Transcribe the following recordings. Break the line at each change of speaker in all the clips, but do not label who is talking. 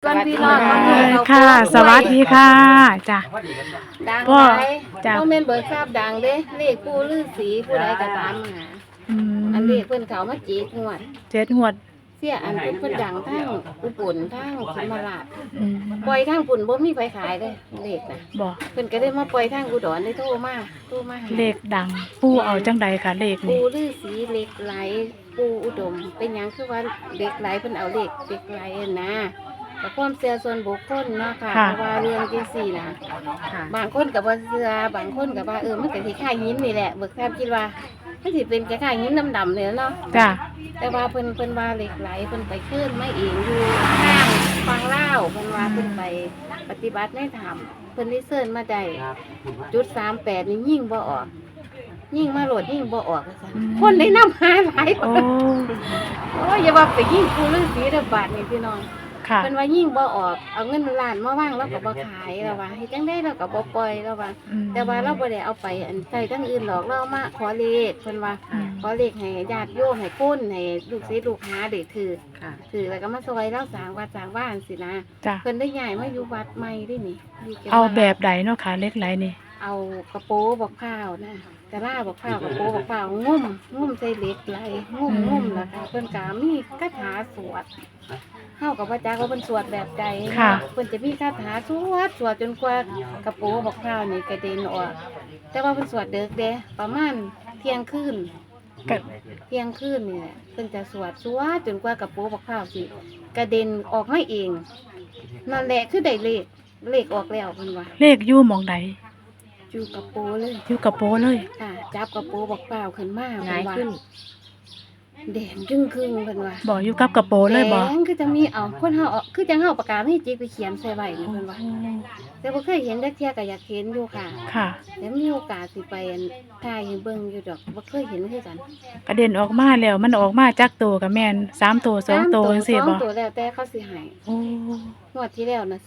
วันพี่น้อง
ค่ะ สวัสดีค่ะจ้ะ
ดัง
พ่อ
ไป
จ้ะ
พ่อแม่นเบิกทราบดังเด้เลขปู่ฤาษีผู้ใดก็ตามหา
อื
อัน
ม
เลขเพิ่นเขามาจีกงวด
7 งวด
เสียอันเพิ่นดังทั้งอุบลทั้งสมราช
อืม
ปล่อยทางปุ่นบ่มีไผขายเด้เลขน่ะ
บ่
เพิ่นก็ได้มาปล่อยทางอุดรได้โทรมาหา
เลขดังปู่เอาจังใดค่ะเลขนี่
ปู่ฤาษีเหล็กไหลปู่อุดม เป็นหยังคือว่าเหล็กไหลเพิ่นเอาเหล็กไหลอะนะแต่ความเชื่อส่วนบุคคลเนาะค่ะเพราะว่าเรื่องจังซี่นะบางคนก็บ่เชื่อบางคนก็ว่ามันก็สิคล้ายหินนี่แหละเบิกทราบคิดว่ามันสิเป็นคล้ายๆหินดำๆเลยเนาะ
จ้ะ
แต่ว่าเพิ่นว่าเหล็กไหลเพิ่นไปขึ้นมาเองอยู่ข้างฟังเล่าวเพิ่นว่าเพิ่นไปปฏิบัติในถ้ำเพิ่นได้เชิญมาได้จุด38นี่ยิ่งบ่ออกยิ่งมาโหลดยิ่งบ่ออกว่าซั่นคนได้นำหาหลาย
โอ้
โอ้ยอย่าว่าไปยิ่งปู่ฤาษีเด้อบาดนี่พี่น้อง
ค่ะ
เพิ่นว่ายิ่งบ่ออกเอาเงินล้านมาวางแล้วก็บ่ขายแล้วว่าเฮ็ดจังได๋เราก็บ่ปล่อยแล้วว่า
อืม
แต่ว่าเราบ่ได้เอาไปอันใส่ทั้งอื่นหรอกเราเอามาขอเลขเพิ่นว่า
อืม
ขอเลขให้ญาติโยมให้คนให้ลูกศิษย์ลูกหาได้ถือถือแล้วก็มาซอยเราสร้างวัดสร้างบ้านสินะ
จ้ะ
เพิ่นได้ย้ายมาอยู่วัดใหม่ด้วยนี่อยู่เก็
เอา
วัด
แบบใดเนาะค่ะเลขไหลนี่
เอากระโปรงบักพร้าวนะกระลาบักพร้าวกระโปรงบักพร้าวงุ่มใส่เหล็กไหลงุ่มแล้วก็เพิ่นก็มีคาถาสวดเฮากับพระจักว่าเพิ่นสวดแบบใด
ค่ะ
เพิ่นจะมีคาถาสวดจนกว่ากระโปรงบักพร้าวนี่กระเด็นออกแต่ว่าเพิ่นสวดเด็กเด้ประมาณเที่ยงคืน
ก็
เที่ยงคืนนี่แหละเพิ่นจะสวดจนกว่ากระโปรงบักพร้าวสิกระเด็นออกมาเองนั่นแหละคือได้เลขออกแล้วเพิ่นว่า
เลขอยู่หม่องใด
อยู่กระโปรงเลย
อยู่กระโปรงเลย
ค่ะจับกระโปรงบักพร้าวขึ้นมา
หงายขึ้น
แดงครึ่งเพิ่นว่า
บ่อยู่กับกระโปรงเลยบ่
แดงคือจะมีเอาคนเฮาเอาคือจังเฮาปากกาให้จิกไปเขียนใส่ไว้นี่เพิ่นว่าแต่บ่เคยเห็นจักเที่ยก็อยากเห็นอยู่ค่ะ
ค่ะ
แล้วมีโอกาสสิไปอันถ่ายให้เบิ่งอยู่ดอกบ่เคยเห็นคือกัน
กระเด็นออกมาแล้วมันออกมาจักตัวก็แม่น3ตัว2ตัวจังซี่
ส
บ่
องตัวแล้วแต่เขาสิให้
โอ้
งวดที่แล้วน่ะ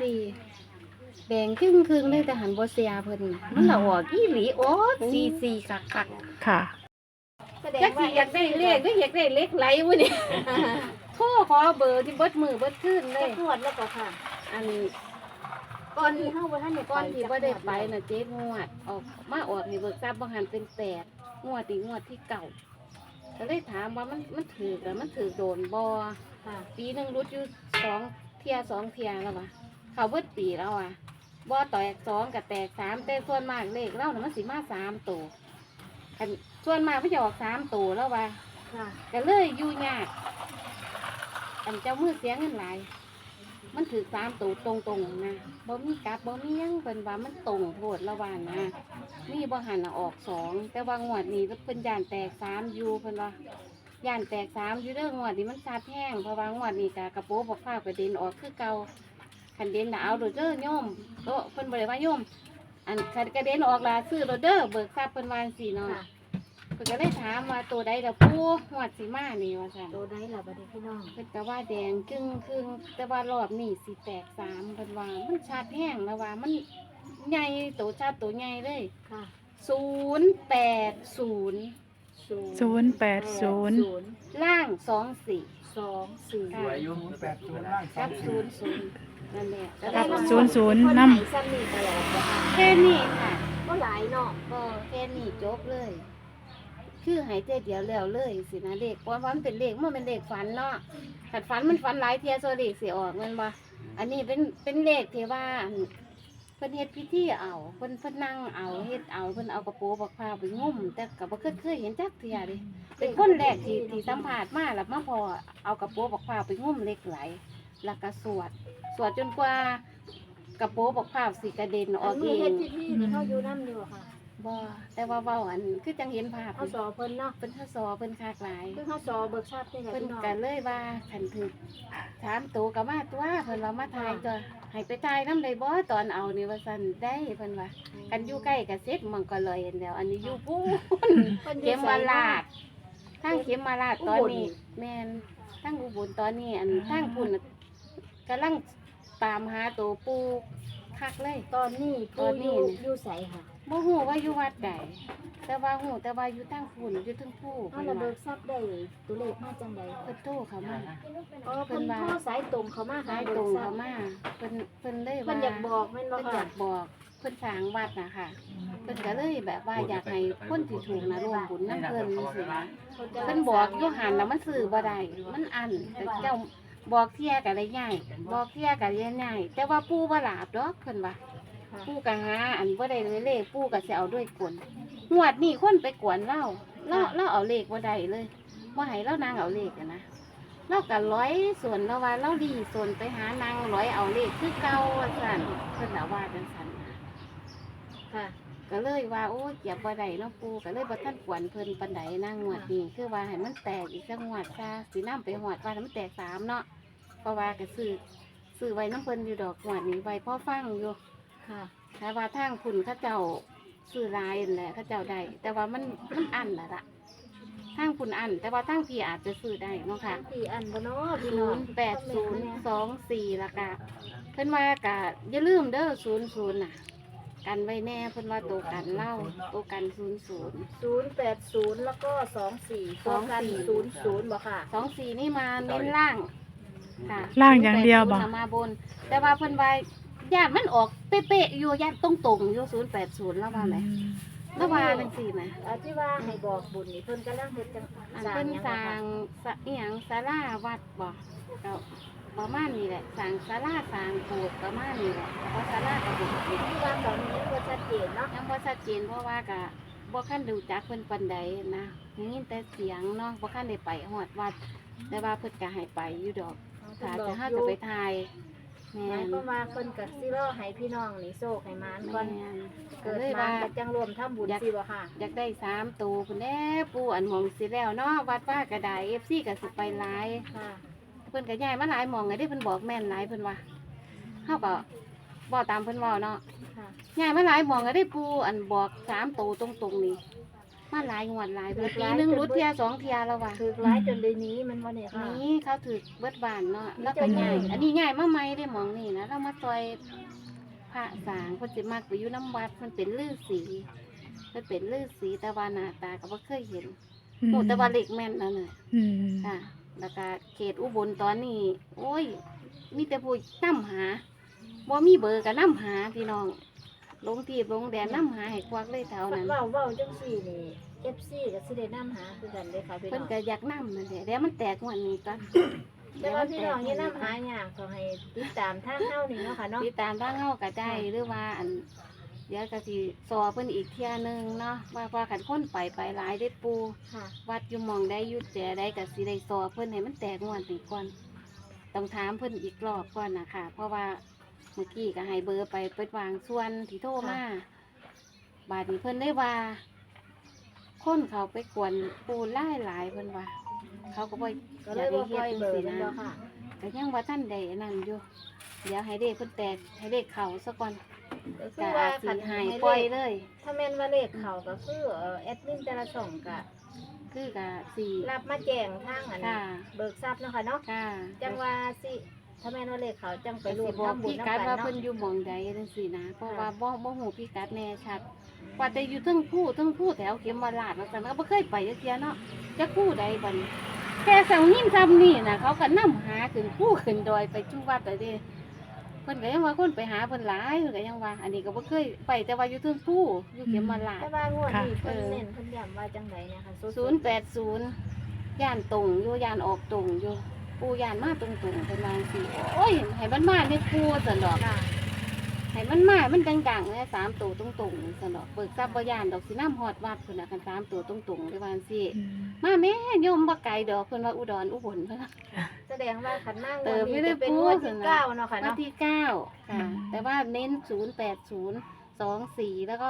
44แดงครึ่งเลยแต่หันบ่เสียเพิ่นน่ะมันละออกอีหลีโอ้44คัก
ค่ะ
ๆจักสิอยากได้เลขหรืออยากได้เลขไหลวะนี่ โทรขอเบอร์ที่เบิดมือเบิดคืนเลย
ตรวจแล้วก็ค่ะ
อัน
ก่อนที่เข้าไปท่านเนี่ย
ก้อนที่บ่ได้ไปน่ะเจ๊งวดออกมาออกนี่เบิกทรัพย์บ่หันเป็น8งวดที่เก่าก็เลยถามว่ามันถือแล้วมันถือโดนบ่
ค่ะ
ปีหนึงรุดอยู่2 เที่ยแล้วว่ะเขาเบิดปีแล้วว่ะบ่แตก2กับแตก3แต่ส่วนมากเลขเราน่ะมันสิมา3ตัวคันส่วนมากมันจะออก3ตัวแล้วว่ะ
ค่ะ
ก็เลยอยู่ยากอันเจ้ามือเสียเงินหลายมันถือ3ตัวตรงๆนะบ่มีกลับบ่มีหยังเพิ่นว่ามันตรงโพดละว่านะมีบ่หันน่ะออก2แต่ว่างวดนี้เพิ่นย่านแตก3อยู่เพิ่นว่าย่านแตก3อยู่เด้องวดนี้มันซาดแห้งเพราะว่างวดนี้ก็กระโปรงบักฟ้าวกระเด็นออกคือเก่าคันเด่นน่ะเอาโดดเด้อโยมโตเพิ่นบ่ได้ว่าโยมอันคันกระเด็นออกล่ะซื้อโดดเด้อเบิกทรัพย์เพิ่นว่าจังซี่เนาะ
ค่ะ
เพิ่นก็เลยถามว่าตัวใดล่ะปู่งวดสิมานี่ว่าซั่น
โดนได้หรอบัดนี้พี่น้อง
เพิ่นก็ว่าแดงครึ่งแต่ว่ารอบนี้สิแตก3เพิ่นว่ามันชัดแห้งแล้วว่ามันใหญ่โตชัดโตใหญ่เลย
ค่ะ
080
080
ล่าง24
2 4
ค่ะครับ00นั่นแหละ
ครับ
ก็
00
น
นำ
ำซ้ำนี่ตลอดนะคะ
แค่นี้ค่ะ
ก็หลายเนาะ
ก็แค่นี้จบเลย คือหายใจเดียวแล้วเลยสินะเด็กเพราะว่ามันเป็นเลขมันเป็นเลขฝันเนาะขัดฝันมันฝันหลายเทียโซเลขเสียออกแมันบ่อันนี้เป็นเลขที่ว่าอันเพิ่นเฮ็ดพิธีเอาเพิ่นนั่งเอาเฮ็ดเอาเพิ่นเอากระโปรงบักพร้าวไปงุ่มแต่ก็บ่เคยเห็นจักเทียเดิเป็นคนแรกที่สัมภาษณ์มาแล้วมาพอเอากระโปรงบักพร้าวไปงุ่มเหล็กไหลแล้วก็สวดจนกว่ากระโปรงบักพร้าวสิกระเด็นอ
อั
อน กเอ
นี้เฮ็ด
ง
พิธีนี่เขาอยู่น้ำอยู่ค่ะ
บ่แต่ว่าเว้าอันคือจังเห็นภาพ
เขาสอเพิ่นเนาะ
เพิ่นทศเพิ่นคากหลาย
คือเขาสอเบิกทราบได้ค่ะ
เพิ่น
พี่น้อง
ก็เลยว่าคันถึกถามตัวก็มาตัวเพิ่นว่ามาทายตัวให้ไปทายนำได้บ่ตอนเอานี่ว่าซั่นได้เพิ่นว่ากันอยู่ใกล้ก็เสร็จมันก็เลยเห็นแล้ว อันนี้อยู่พูน
พิ่นอ
เข็
ยู่
ม
ไส
มา
เนะ
ลาดทางเข็มมาลาดตอนนี้
อุบล
แม่นทางอุบลตอนนี้อันทางพุ่นน่ะกำลังตามหาตัวปูคักเลย
ตอนนี้
ตอนนี้
อยู่ใสค่ะ
บบ่ฮู้ว่าอยู่วัดใดแต่ว่าฮู้แต่ว่าอยู่ทางฝุ่นอยู่เทึงผู้
เอา
เพิ่น
ระเบิ
ว่า
ดทรัพย์ได้ตัวเลขมาจังได๋
เพิ่นโทรเข้ามา
อ๋อเพิ่นโทรสายตรงเขามาหา
สาย
เบิ
ตร
ก
ง
ทรั
เข้า
พย์
มาเพิ่นเลย
เพิ่
ว่าน
อยากบอกแม่นบ่
เพิ่นอ
ค่ะ
ยากบอกเพิ่นสร้างวัดน่ะค่ะเพิ่นก็เลยแบบว่าอยากให้คนที่ถูกนะร่วมบุญนำเพิ่นจังซี่นะเพิ่นบอกอยู่หันแล้วมันซื้อบ่ได้มันอันแต่เจ้าบอกเที่ยก็ได้ง่ายบอกเที่ยก็ได้ง่ายแต่ว่าปู่บ่หลาบดอกเพิ่นว่า
ค่ะ
ปู่ก็หาอันบ่ได้เลยเลขปู่ก็สิเอาด้วยกลงวดนี้คนไปกวนเราเอาเลขบ่ได้เลยบ่ให้เรานางเอาเลขอะนะเราก็ร้อยส่วนเราว่าเราดีส่วนไปหานางร้อยเอาเลขคือเก่าว่าซั่นเพิ่นน่ะว่าจังซั่นนะ
ค่ะ
ก็เลยว่าโอ้ยเก็บบ่ได้เนาะปู่ก็เลยบ่ทันกวนเพิ่นปานใดนางงวดนี้คือว่าให้มันแตกอีกจักงวดซะสินำไปฮอดว่าให้มันแตก3เนาะเพราะว่าก็ซื้อไว้นำเพิ่นอยู่ดอกงวดนี้ไว้พอฟังอยู่
ค่ะ
ถ้าว่าทางคุณเขาเจ้าซื้อหลายนั่นแหละเขาเจ้าได้แต่ว่ามันอันละทางคุณอัน แต่ว่าทางพี่อาจจะซื้อได้เนาะค่ะ
พี่อันบ่เนาะพี่น้อง
080224ละกะเพิ่นว่ากะอย่าลืมเด้อ00น่ะ กันไว้แน่เพิ่นว่าโตกันเล่าโตกัน00
080แล้วก็24ตัวกัน00บ่ค่ะ
24นี่มาเน้นล่างค่ะ
ล่างอย่างเดียวบ่
080น่ะมาบน แต่ว่าเพิ่นว่าญาติมันออกเป๊ะๆอยู่ญาติตรงๆอยู่080แล้วว่าไหมแล้วว่าจังซี่นะ
ที่ว่าให้บอกบุญนี่เพิ่นกำลังเฮ็ดจัง
อันเป็นสร้างอีหยังศาลาวัดบ่ก็ประมาณนี้แหละสร้างศาลาสร้างโบสถ์ประมาณนี้แหละเพราะศาลากับโบสถ์
ที่ว่าตอนนี้บ่ชัดเจนเนาะ
ยังบ่ชัดเจนเพราะว่าก็บ่คันรู้จักเพิ่นปานใดนะได้ยินแต่เสียงเนาะบ่คันได้ไปฮอดวัด แต่ว่าเพิ่นก็ให้ไปอยู่ดอกถ้าจะเฮาจะไปถ่ายแม่
หมาย
น
ความว่าเพิ่นก็สิรอให้พี่น้องนี่โชคให้มานก่อน
แม่นก็
เกิด
เลย
มา
ว่า
ก็จังรวมทำบุญสิบ่ค่ะ
อยากได้3ตัวพุ่นแน่ปู่อันหมองสิแล้วเนาะวัดว่ากระได FC ก็สิไปหลาย
ค่ะ
เพิ่นก็ย้ายมาหลายหม่องไงที่เพิ่นบอกแม่นหลายเพิ่นว่าเฮาก็บ่ตามเพิ่นเว้าเนาะ
ค่ะ
ย้ายมาหลายหม่องก็ได้ปูอันบอก3ตัวตรงๆนี่มาหลายงวดหลายปีนึงรุดเที่ย2เที่ยแล้วว่ะ
ถือร้ายจนได้หนี้มันบ่เนี่ยค่ะ
นี่เขาถือเบิดบ้านเนาะแล้วก็ย้ายอันนี้ย้ายมาใหม่ได้หม่องนี่นะเรามาซอยพระสางเพิ่นสิมักไปอยู่น้ำวัดเพิ่นเป็นฤาษีเพิ่นเป็นฤาษีแต่ว่าหน้าตาก็บ่เคยเห็นโหแต่ว่าเล็กแม่นนั่นน่ะ
อืม
ค่ะแล้วก็เขตอุบลตอนนี้ โอ้ย มีแต่ผู้นํหาบ่มีเบอร์ก็นํหาพี่น้อง ลงที่ลงแดนนํหาให้ควักเลยเท่านั้น
เว้าจังซี่นี่ FC ก็สิได้นำหาคือกันเด้อค่ะพี่
เพิ่
น้
น
อง
ก็อยากนํนั่นแหละเดี๋ยวมันแตกงวันนี้ก่อน
แต่ว่าพี่น้องอย่านำหายากขอให้ติดตามทางเฮานี่เนาะค่ะเนาะ
ติดตามทางเฮาก็ได้หรือว่าอันเดี๋ยวก็สิสอเพิ่นอีกเที่ยหนึงเนาะว่าคันคนไปหลายได้ปู
ค่ะ
วัดอยู่หมองได้อยู่แต่ได้ก็สิได้สอเพิ่นให้มันแตกงวดนี้ก่อนต้องถามเพิ่นอีกรอบก่อนนะคะเพราะว่าเมื่อกี้ก็ให้เบอร์ไปเปิดวางส่วนที่โทรมาบาดนี้เพิ่นได้ว่า คนเขาไปกวนปูหลายเพิ่นว่า เขาก็บ่
ก็เลยบ่ปล่อยเบอร์
สิ
นั่น
นะ
บ่ค่ะ
ก็ยังว่าท่านใดนั่นอยู่เดี๋ยวให้เด็กเพิ่นแตกให้เด็กเขาซะก่อน
ก็คื
ก็
อว่า
อาจสิ
คัน
ให้
ให้
ปล่อย
เลข
เลย
ถ้าแม่นว่าเลขเขาก็คือแอดมินแต่ละช่องก็
คือก็สิ
รับมาแจ้งทางอัน
ค่ะ
เบิกทรัพย์เนาะค่ะเนาะ
ค่ะ
จังว่าสิถ้าแม่นว่าเลขเขาจังไป
ไป
ร
ร
ว
ว
ม
มบอก
ทำบุญ
พี่
นำ
กั
กั
ด
น
ว่า
เนาะ
เพิ่นอยู่หม่องใดจังซี่นะเพราะ
ค่ะ
ว่าบ่ฮู้พี่กัดแน่ชัดว่าแต่อยู่เทั้งผู้แถวเข็มมาลาดว่าซั่นก็บ่เคยไปจักเที่ยเนาะจักผู้ใดบัดนี้แค่สังหินซ้ำนี่น่ะเขาก็นำหาขึ้นผู้ขึ้นดอยไปจุวัดแต่เด้เพิ่นก็ยังว่าคนไปหาเพิ่นหลายเพิ่นก็ยังว่า อันนี้ก็บ่เคยไปแต่ว่าอยู่เทั้งผู้อยู่เข็มมาลาด
แต่ว่างวดนี้เพิ่นเน้นเพิ่นย้ำว่าจังไดเนี่ยค่ะ
080ย่านตรงอยู่ย่านออกตรงอยู่ปูย่านมาตรงๆเป็นว่าสิโอ้ยให้มันมาในปูซั่นดอก
ค่ะ
ให้มันมามันดังๆเลย3ตัวตรงๆซั่นดอกเบิกทรัพย์บ่ย่านดอกสิน้ำฮอดวัดพุ่นน่ะคัน3ตัวตรงๆได้ว่าสิ
อืม
มาแม่โยมบ่ไกลดอกเพิ่นว่าอุดรอุบลเพิ่นว่า
แสดงว่าขันหน้าง
เติ
วด
มไม่
นี้
ได้
จะเป็น
พู
ง
ด
วดที่
นะ
9เนาะค่ะ
วัน
เนาะ
ที่9ค่ะแต่ว่าเน้น08024แล้วก็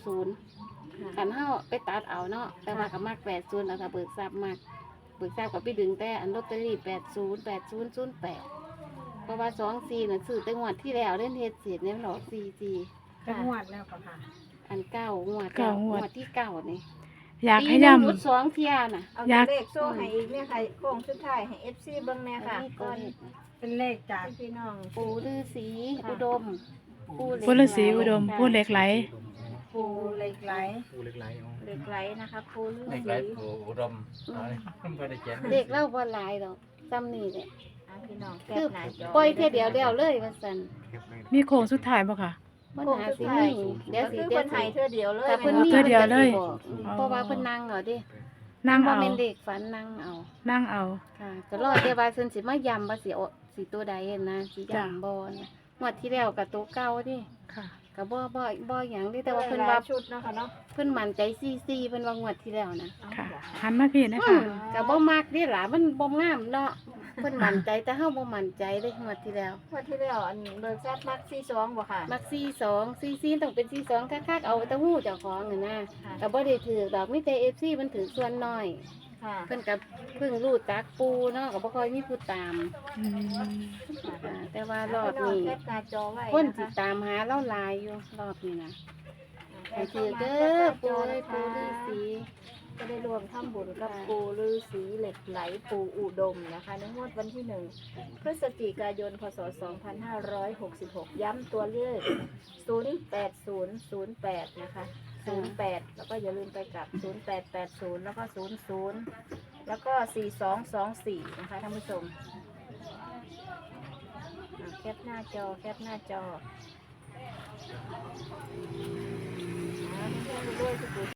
00คันเฮาไปตัดเอาเนาะแต่ว่าก็มัก80แล้วถ้าเบิกทรัพย์มัก เบิกทราบกับพี่ดึงแต่อันลอตเตอรี่808008เพราะว่า24น่ะซื้อแต่งวดที่แล้วเล่นเฮ็ดเสร็จเนี่ยมันออก44
ค่ะ
อัน9งวด
เก้างวด
ที่9นี่
อยาก
ปี
ให้
หนึง
ย่ำ
รุด2เที่ยน่ะ
เอา
อยาก
เลขโซ่ให้อีกเนี่ยค่ะโค้งสุดท้ายให้ FC เบิ่งแน่ค่ะก่อน
เป็นเลขจาก
ให้พี่น้อง
ปู่ฤาษี
ค่ะ
อุดม
ผู้ฤาษีอุดมผู้เหล็กไหล
ปูเหล็กไหล
ปูเหล็กไหลอ๋อ
เหล็กไหลนะคะปูฤา
เหล็ก
ษี
ไหลปูอุดมอ๋อไม่ได้เขียน
เด็กเล่าบ่หลายดอกจำนี่แหละ
อ่ะพี่น้องแค
คือ
ปหน้าจอ
ปล่อยเที่ยเดียวแล้วเลยว่าซั่น
เก็บไว้
มีโค้งสุดท้ายบ่ค่ะ
ปัญหาสิมีเดี๋ยว
ก็
สิ
คือ
เดี๋
ค
ยวน
ไท
สิ
ยเทื่อเดียวเลย
แต่เพิ่นมี
เทื่อเดียวเลย
พิ่นก็สิบอกเพราะว่าเพิ่นนั่งเอาเดิ
นั่ง
บ่
เอา
แม่นเด็กฝันนั่งเอา
นั่งเอา
ค่ะก็รอแต่ว่าเพิ่นสิมาย้ำว่าสิเอาสิตัวใดนะสิย้ำบ่นะงวดที่แล้วก็ตัวเก่าดิ
ค่ะ
ก็บ่หยังเดิแต่ว่า
เพิ่
เพิ่
น
น
ว่า
ว่า
ชุดเนาะค่ะเนาะ
เพิ่นมั่นใจซี่เพิ่นว่างวดที่แล้วนะ
ค่ะ หันมาพี่นะ
อื
คะ
มก็บ่มักเดิล่ะมันบ่งามเนาะเพิ่นมั่นใจแต่เฮาบ่มั่นใจเด้งวดที่แล้ว
งวดที่แล้วอันเบิกทรัพย์มัก42บ่ค่ะ
มัก42ต้องเป็น42คักๆเอาแต่ฮู้เจ้าของน่ะนะ
ค่ะ
ก็บ่ได้ถือดอกมีแต่ FC มันถือส่วนน้อย
ค่ะ
เพิ่นก็เพิ่งรู้จักปูเนาะก็บ่ค่อยมีผู้ตาม
อืม
แต่ว่ารอบ
พี่น้อง
นี้
แคปหน้าจอไว้
คน
นะ
สิ
คะ
ตามหาเล่าหลายอยู่รอบนี้นะ
แค
ให้
ป
ถือ
เข้า
เด้
มา
อ
แคปห
ปู
น้า
เอ้ย
จ
ปู
อ
ฤา
นะคะ
ษี
ก็ได้รวมทำบุญกับปูฤาษีเหล็กไหลปูอุดมนะคะในงวดวันที่ 1 พฤศจิกายน พศ 2566 ย้ำตัวเลข 08008 นะคะ 08 แล้วก็อย่าลืมไปกับ 0880 แล้วก็ 00 แล้วก็ 4224 นะคะท่านผู้ชมแคปหน้าจอ แคปหน้าจอด้วยทุก